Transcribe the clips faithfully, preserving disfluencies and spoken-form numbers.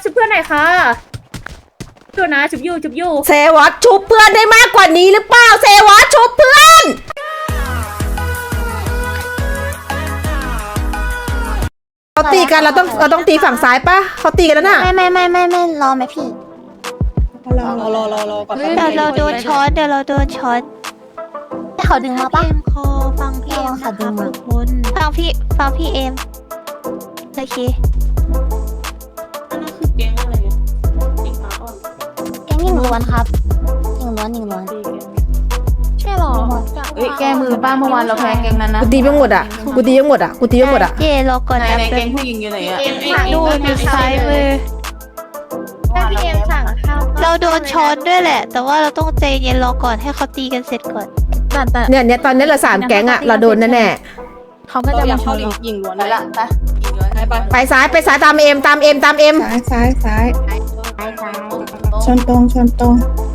ชุบเพื่อนหน่อยค่ะดูนะชุบยูชุบยูเซวอตชุบเพื่อนได้มากกว่านี้หรือเปล่าเซวอตชุบเพื่อนเขาตีกันเราต้องเราต้องตีฝั่งซ้ายปะเขาตีกันแล้วน่ะไม่ไม่ไม่ไม่ไม่รอไหมพี่รอรอรอรอรอก่อนเดี๋ยวเราโดนช็อตเดี๋ยวเราโดนช็อตเขาดึงมาปะเอ็มคอฟังพี่เอ็มนะคะทุกคนฟังพี่ฟังพี่เอ็มโอเคอันนั้นคือแก๊งอะไรเนี่ยติ๊กมาอ่อนแกงยิงล้วนครับยิงล้วนยิงล้วนใช่หรอเอ้ยแกมือป้าเมื่อวานเราแพ้แกงนั้นนะกูตีไปหมดอ่ะกูตีไปหมดอ่ะกูตีไปหมดอ่ะเย่รอก่อนไหนนะไหนเป็แกนงผู้หญิงอยู่ไหนอะดูดูซ้ายมือพี่เอ็มสั่งข้าวเราโดนช็อตด้วยแหละ แต่ว่าเราต้องใจเย็นรอก่อนให้เขาตีกันเสร็จก่อนเนี่ยเนี่ยตอนนี้เราสามแก๊งอ่ะเราโดนแน่เขาก็จะมาเข้ายิงล้วนไปละไปยิงเลยไปไปๆไปซ้ายไปซ้ายตามเอ็มตามเอ็มตามเอ็มซ้ายซ้ายซ้ายชนตรงชนตรง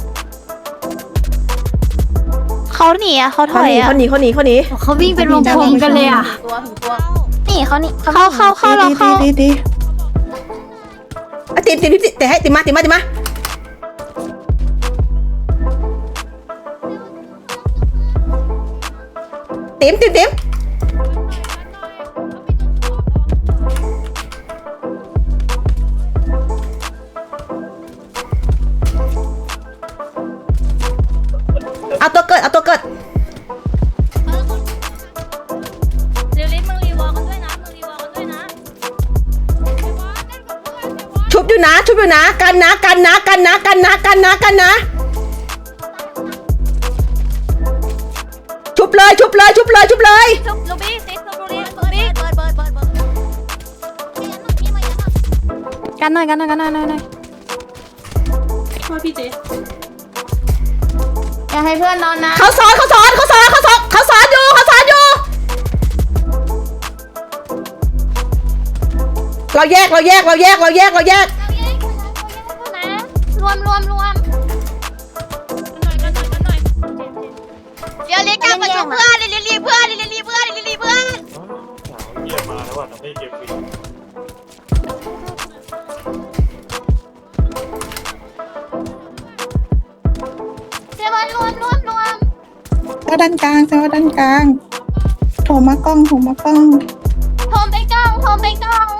เขาหนีอ่ะเขาถเขาอหยนีอ่ะเขาหนีเขาหนีเขาหนีเขาวิ่งเป็นวงกลมกันเลยอ่ะตัวถึงตัวหนีเขาหนีเขาเข้าเข้าเราดีเข้าดีดีอ่ะตีมตีมตีมแต่ให้ตีมมาตีมมาตีมมาตีมตีมตีมเอาตัวเกิดเอาตัวเกิดเร็วๆมึงรีวอลกันด้วยนะมึงรีวอลกันด้วยนะชุบอยู่นะชุบอยู่นะกันนะกันนะกันนะกันนะกันนะกันนะชุบเลยชุบเลยชุบเลยชุบเลยชุบลูบี้ซิสลูบี้ลูบี้เบิร์ดเบิร์ดเบิร์ดเบิร์ดกันหน่อยกันหน่อยกันหน่อยหน่อยหน่อยช่วยพี่เจอย่าให้เพื่อนนอนนะเขาซ้อนเขาซ้อนเขาซ้อนเขาซ้อนเขาซ้อนอยู่เขาซ้อนอยู่เราแยกเราแยกเราแยกเราแยกเราแยกรวมรวมรวมเดี๋ยวเรียกกันมาจุเพื่อนเรียกรีเพื่อนเรียกรีเพื่อนเรียกรีเพื่อนเยี่ยมมาแล้วว่าทำให้เกมฟรีเดี๋ยวมารวมรวมรวมแล้วด้านกลางแซวด้านกลางโถมากล้องโถมากล้องโทมไปกล้องโทมไปกล้อง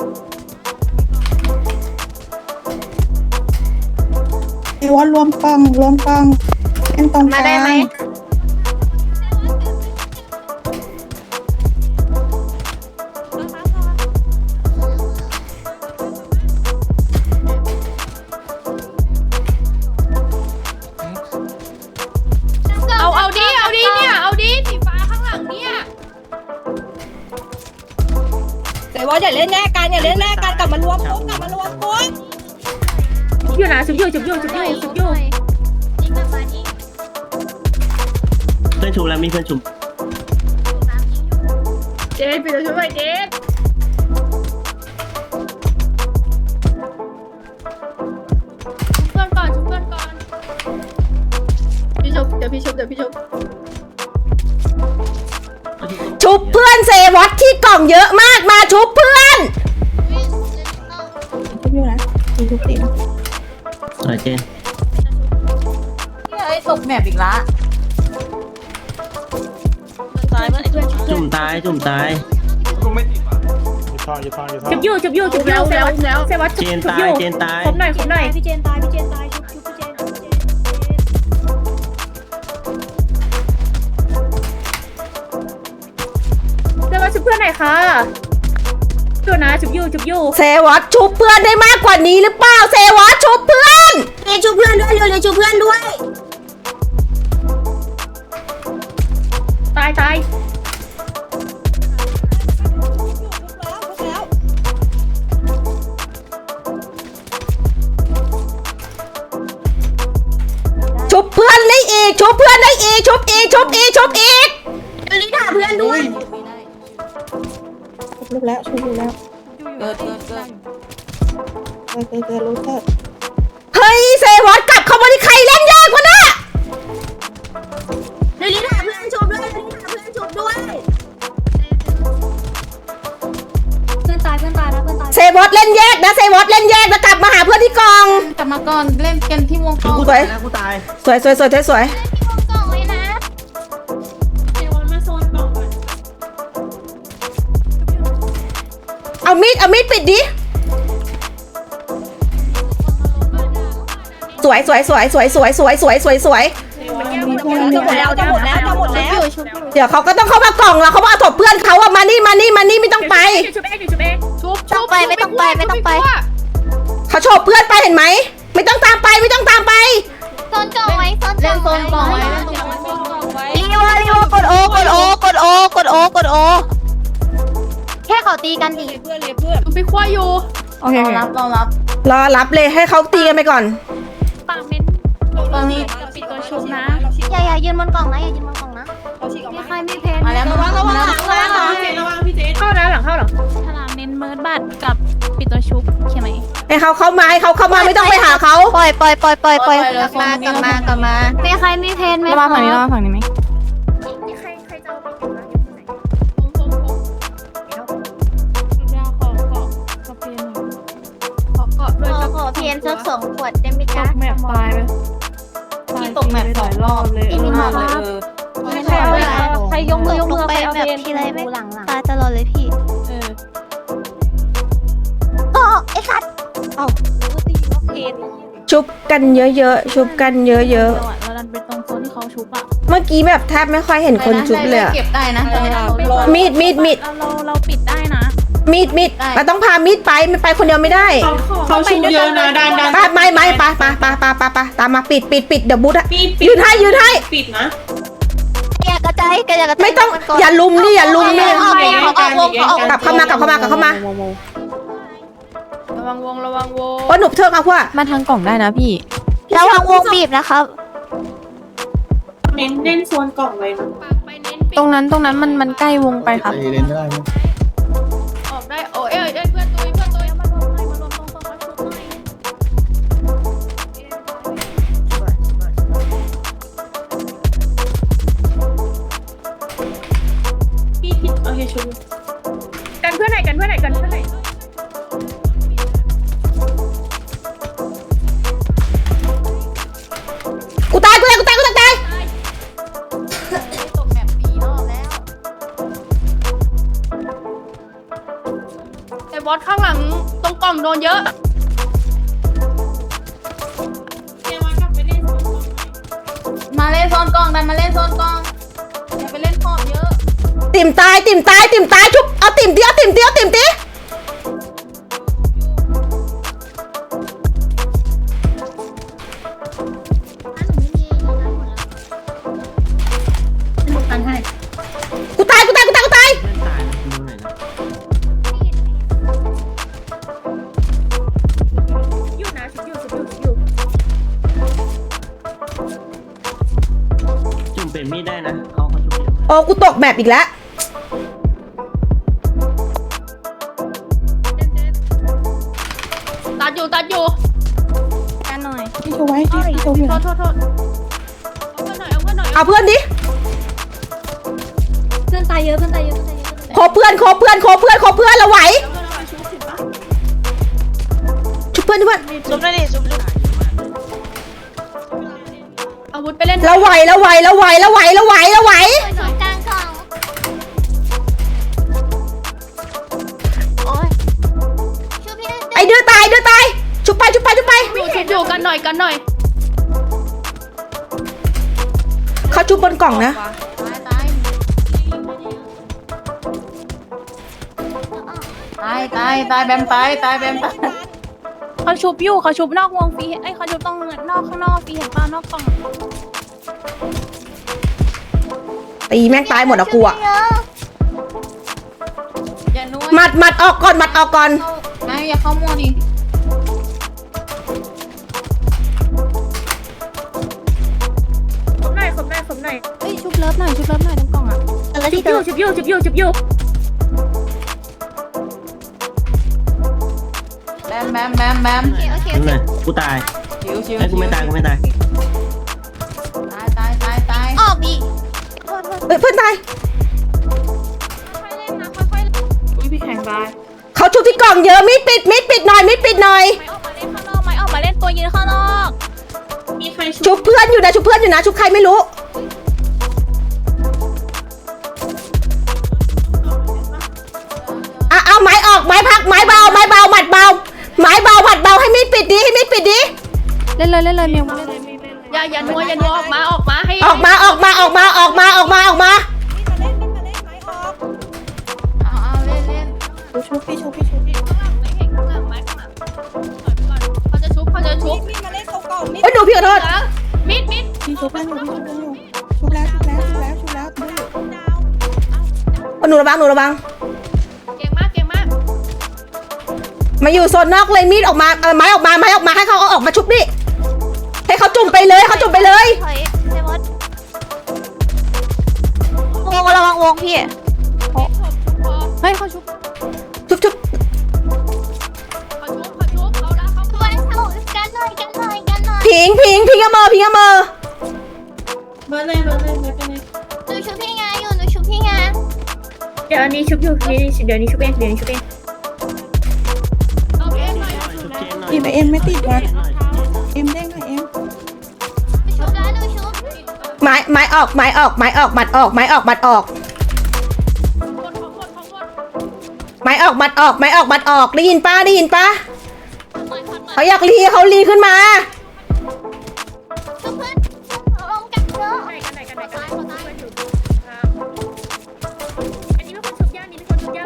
ไอ้วอดรวมกล้องรวมกล้องเป็นตรงกลางเอาเอาดิเอาดิเนี่ยเอาดิสีฟ้าข้างหลังเนี่ยแต่ว่าอย่าเล่นแยกกันอย่าเล่นแยกกันกลับมารวมปุ๊บกลับมารวมปุ๊บชุบยูนะชุบยูชุบยูชุบยูชุบยูเพื่อนชุมแล้วมีเพื่อนชุมเจนไปช่วยเจนชุบเพื่อนก่อนชุบเพื่อนก่อนพี่ชุบเดี๋ยวพี่ชุบเดี๋ยวพี่ชุบชุบเพื่อนเซวอตที่กล่องเยอะมากมาชุบเพื่อนทุบอยู่นะมีทุบตีนสวยเจนเฮ้ยตกแมปอีกละตายมันไอ้เพื่อนจุ่มตายจุ่มตายลุงไม่ติดป่ะอยู่ท่ออยู่ท่ออยู่ท่อชุบยูชุบยูชุบยูเซวัตเซวัตเจนชุบตายยูเจนตายครบหน่อยครบหน่อยพี่เจนตายพี่เจนตายชุบชุบพี่เจนเซวัตชุบเพื่อนหน่อยค่ะดูนะชุบยูชุบยูเซวอตชุบเพื่อนได้มากกว่านี้หรือเปล่าเซวอตชุบเพื่อนเรียนชุบเพื่อนด้วยเรียนชุบเพื่อนด้วยตายตายชุบเพื่อนได้อีกชุบเพื่อนได้อีกชุบอีกชุบอีกชุบอีกชุบลูกแล้วชุบลูกแล้วเกิดเกิดเกิดเกิดเกิดเกิดรู้เถอะเฮ้ยเซวอตกลับเข้ามาที่ใครเล่นยากกว่าน่ะเดี๋ยวนี้ถามเพื่อนชุบด้วยเดี๋ยวนี้ถามเพื่อนชุบด้วยเพื่อนตายเพื่อนตายนะเพื่อนตายเซวอตเล่นแยกนะเซวอตเล่นแยกแล้วกลับมามาก่อนเล่นกันที่วงกลมกูตายแล้วกูตายสวยสวยสวยสวยสวยกล่องเลยนะเซวอนมาโซนกล่องก่อนเอามีดเอามีดปิดดิสวยสวยสวยสวยสวยสวยสวยสวยสวยจะหมดแล้วจะหมดแล้วจะหมดแล้วเดี๋ยวเขาก็ต้องเข้ามากล่องแล้วเขามาถบเพื่อนเขาอะมานี่มานี่มานี่ไม่ต้องไปชุบเองชุบเองชุบต้องไปไม่ต้องไปไม่ต้องไปเขาโฉบเพื่อนไปเห็นไหมไม่ต้องตามไปไม่ต้องตามไปโซนกล่องไว้โซนเล่นโซนกล่องไว้ไว้เล่นโซนกล่องไว้รีวอรีวอกดโอกดโอกดโอกดโอกดโอแค่เขาตีกันดิเพื่อนเลยเพื่อนชุบไปขั้วอยู่โอเคเรารับเรารับรอรับเลยให้เขาตีกันไปก่อนปากเม้นตอนนี้จะปิดตัวชุบนะอย่าอย่ายืนบนกล่องนะอย่ายืนบนกล่องนะเราฉีกออกมีมาใครมีเพนมาแล้วมาแล้วมาแล้วระวังพี่เจเข้าแล้วหลังเข้าหลังฉลามเน้นเมิร์ดบัตรกับปิดตัวชุบใช่ไหมให้เขาเข้ามาให้เขาเข้ามาไม่ต้องไปหาเขาปล่อยปล่อยปล่อยปล่อยปล่อยกลับมากลับมากลับมามีใครมีเพนไหมระวังฝั่งนี้ระวังฝั่งนี้ไหมใครใครจะเอาไปเก็บนะผมผมผมชุบยาของเกาะกระเพนขอเกาะด้วยขอขอเพนสักสองขวดได้ไหมตจ๊ะกแมปตายไปพี่ตกแมปสองรอบเลยเออมากเลยเออใครใครยกมือยกลมืงอไปใครเอาแบบเพนทีไรไม่ตายตลอดเลยพี่เออโอ้ไอ้สัตว์ชุบกันเยอะๆชุบกันเยอะเราอะเราดันไปตรงโซนที่เขาชุบอะๆเมื่อกี้แบบแทบไม่ค่อยเห็นคนชุบเลยอะเก็บได้นะตอนนี้มีดมีดมีดเราเราเราปิดได้นะมีดมีดเราต้องพามีดไปมันไปคนเดียวไม่ได้เขาชูเยอะนะดันดันไปไม่ไม่ไปไปไปไปไปไปตามมาปิดปิดปิดเดี๋ยวบูทอะยืนให้ยืนให้ปิดนะอย่ากระจายแกอย่ากระจายไม่ต้องอย่าลุมนี่อย่าลุมนี่ออกวงออกวงออกกลับเข้ามากลับเข้ามากลับเข้ามาระวังวงระวังวงว่าหนุบเทิงเอาพวกมาทางกล่องได้นะพี่ระวังวงบีบนะครับเน้นเน้นโซนกล่องไว้นะปากไปเน้นปิดตรงนั้นตรงนั้นมันมันใกล้วงไปครับเล่นไม่ได้ออกได้โอ้ยเอ้ยเอ้ยเพื่อนตุยเพื่อนตุยมารวมหน่อยมารวมตรงโซนเขาชุบหน่อย พี่พี่โอเคชุบกันเพื่อนไหนกันเพื่อนไหนกันเพื่อนไหนกูตายกูตายกูตายกูตายตายตกแมปปีรอบแล้วไอ้บอสข้างหลังตรงกล่องโดนเยอะมาเล่นโซนกล่องดันมาเล่นโซนกล่องอย่าไปเล่นขอบเยอะติ่มตายติ่มตายติ่มตายชุบเอาติ่มเดียวติ่มเดียวติ่มตีกูตายกูตายกูตายกูตายเพื่อนตายนะดูหน่อยนะอยู่นะชุบอยู่ชุบอยู่ชุบอยู่จุ่มเป็นมีดได้นะเขาเขาชุบเยอะมากโอ้กูตกแมปอีกแล้วตัดอยู่ตัดอยู่กันหน่อยพี่ชูไว้พี่ชูอยู่โทษโทษโทษเอาเพื่อนหน่อยเอาเพื่อนหน่อยเอาเพื่อนดิเพื่อนตายเยอะเพื่อนตายเยอะเพื่อนตายเยอะขอเพื่อนขอเพื่อนขอเพื่อนขอเพื่อนเราไหวชุบเพื่อนชุบเพื่อนชุบได้ดิชุบได้อาวุธไปเล่นเราไหวเราไหวเราไหวเราไหวเราไหวเราไหวสองกลางกล่องโอ้ยช่วยพี่ไอเดือตายเดือตายชุบไปชุบไปชุบไปอยู่ชุบอยู่กันหน่อยกันหน่อยเขาชุบบนกล่องนะตายตายตายตายแบมตายตายแบมตายเขาชุบอยู่เขาชุบนอกวงฟรีเอ้ยเขาชุบตรงนอกข้างนอกฟรีเห็นป่ะนอกกล่องตีแม่งตายหมดอะกูอะอย่านัวหมัดหมัดออกก่อนหมัดออกก่อนไม่อย่าเข้ามัวดิขบหน่อยขบหน่อยขบหน่อยเอ้ยชุบเลิฟหน่อยชุบเลิฟหน่อยตรงกล่องอะแล้วชุที่บอยู่ชุบอยู่ชุบอยู่ชุบอยู่แบมแบมแบมแบมโอเคโอเคนั่นเลยกูตายชิวชิวไอ้ยกูไม่ตายกูไม่ตายตายตายตายตายออกอีกเอ้ยเพื่อนตายค่อยๆเล่นนะค่อยๆเล่นอุ้ยพี่แข่งตายเขาชุบที่กล่องเยอะมิดปิดมิดปิดหน่อยมิดปิดหน่อยไม่ออกมาเล่นข้างนอกไม่ออกมาเล่นตัวยืนข้างนอยู่นะชุบเพื่อนอยู่นะชุบใครไม่รู้อ่ะเอาไม้ออกไม้พักไม้เบาไม้เบาหมัดเบาไม้เบาหมัดเบาให้มีดปิดดิให้มีดปิดดิเล่นเลยเล่นเลยเมียวอย่าอย่านัวอย่านัวออกมาออกมาให้ออกมาออกมาออกมาออกมาออกมาออกมาเอาเอาเล่นเล่นชุบพี่ชุบพี่ชุบพี่ไม่เห็นข้างหลังไม้ข้างหลังเขาจะชุบเขาจะชุบมีมาเล่นเขาก่อนมีเอ้ยดูพี่ขอโทษมิดมิดพี่ชุบเพื่อนอยู่พี่ชุบเพื่อนอยู่ชุบแล้วชุบแล้วชุบแล้วชุบแล้วดูอยู่เอาหนูระวังหนูระวังเก่งมากเก่งมากมาอยู่โซนนอกเลยมีดออกมาเออไม้ออกมาไม้ออกมาให้เขาเอาออกมาชุบดิให้เขาจุ่มไปเลยเขาจุ่มไปเลยถอยเซวอสวงระวังวงพี่เฮ้ยเขาชุบชุบชุบเขาชุบเขาชุบเขาละเขาตัวเขากันหน่อยกันหน่อยกันหน่อยพิงพิงพิงกระเมอพิงกระเมอเบอร์เลยเบอร์เลยเบอร์เลยหนูชุบพี่ไงอยู่หนูชุบพี่ไงเดี๋ยวอันนี้ชุบอยู่นี่เดี๋ยวนี้ชุบเองเดี๋ยวนี้ชุบเองเอาเองหน่อยชุบเจนหน่อยหยิบไปเอ็มไม่ติดวะเอ็มเด้งหน่อยเอ็มหนูชุบแล้วหนูชุบไม้ไม้ออกไม้ออกไม้ออกบัดออกไม้ออกบัดออกคนของคนของคนไม้ออกบัดออกไม้ออกบัดออกได้ยินป้าได้ยินป้าเขาอยากรีเขารีขึ้นมาชุบเพื่อนลงกันเยอะไหนกันไหนกันไหนกันไหนคนช่วยอยู่ครับอันนี้เป็นคนชุบย่างนี่เป็นคนชุบย่าง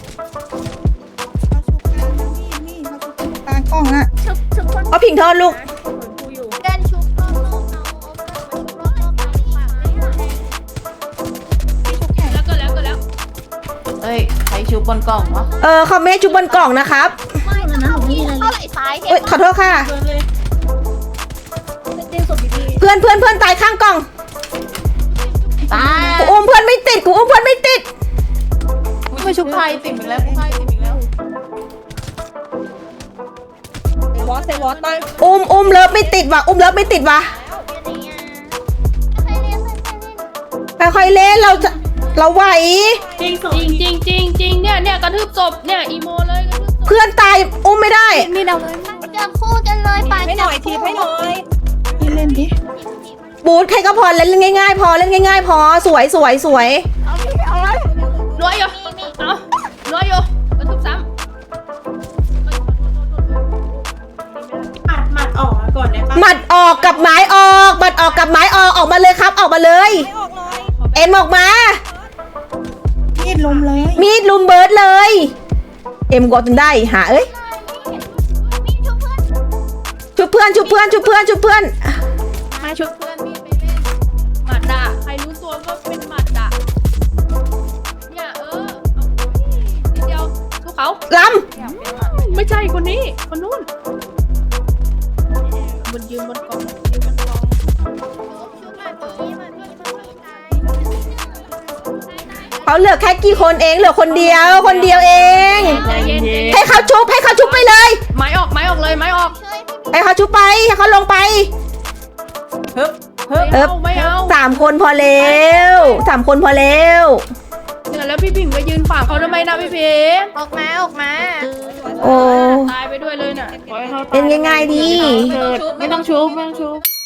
เขาชุบกลางนะนี่นี่เขาชุบกลางกล้องอะชุบชุบคนเอาผิงโทษลูกกูอยู่กันชุบรอบๆเอาเอาเพื่อนมาชุบรอบๆกันฝากเลยค่ะพี่ชุบแขนแล้วก็แล้วก็แล้วเอ้ยใครชุบบนกล่องวะเออเขาไม่ให้ชุบบนกล่องนะครับไม่เข้าพี่เข้าไหล่ซ้ายเห็นเอ้ยขอโทษค่ะเบอร์เลยเด้งศพดีเพื่อนเพื่อนเพื่อนตายข้างกล่องตายกูอุ้มเพื่อนไม่ติดกูอุ้มเพื่อนไม่ติดไม่ชุบใครติดอีกแล้วใครติดอีกแล้วเซวอสเซวอสตายอุ้มอุ้มเลิฟไม่ติดว่ะอุ้มเลิฟไม่ติดว่ะใครเล่นใครเล่นค่อยๆเล่นเราจะเราไหวจริงสองจริงจริงจริงจริงเนี่ยเนี่ยกระทืบศพเนี่ยอีโมเลยกระทืบศพเพื่อนตายอุ้มไม่ได้มีดาวเลยจับคู่กันเลยไปให้หน่อยทีให้หน่อยพี่เล่นดิบูทใครก็พอเล่นง่ายๆ พอเล่นง่ายๆ พอสวยสวยสวยรวยอยู่เอารวยอยู่กระทืบซ้หมัดหมัดออกมาก่อนได้ปะหมัดออกกับไม้ออกหมัดออกกับไม้ออกออกมาเลยครับออกมาเลยไม่ออกเลยเอ็มออกมามีดลุมเลยมีดลุมเบิร์ดเลย เอ็มกดจนได้หาเอ้ยมีชุบเพื่อนชุบเพื่อนชุบเพื่อนชุบเพื่อนชุบเพื่อนำมาชุบเพื่อนมีดไปเล่นหมัดด่าใครรู้ตัวก็เป็นหมัดด่าเนี่ยเออเอานิดเดียวทุกเขาลไม่ใช่คนนี้ คนนู้นบนยืนบนกองยืนบนกองำเขาเหลือแค่กี่คนเองเหลือคนเดียวคนเดียวเองใจเย็นให้เขาชุบให้เขาชุบไปเลยไม้ออกไม้ออกเลยไม้ออกให้เขาชุบไปให้เขาลงไปฮึบฮึบเอิบไม่เอาสามคนพอแล้วสามคนพอแล้วเนี่ยแล้วพี่ผิงไปยืนขวางเขาทำไมนะพี่ผิงออกมาออกมาโอ้ตายไปด้วยเลยน่ะปล่อยให้เขาเล่นง่ายๆดีไม่ต้องชุบไม่ต้องชุบ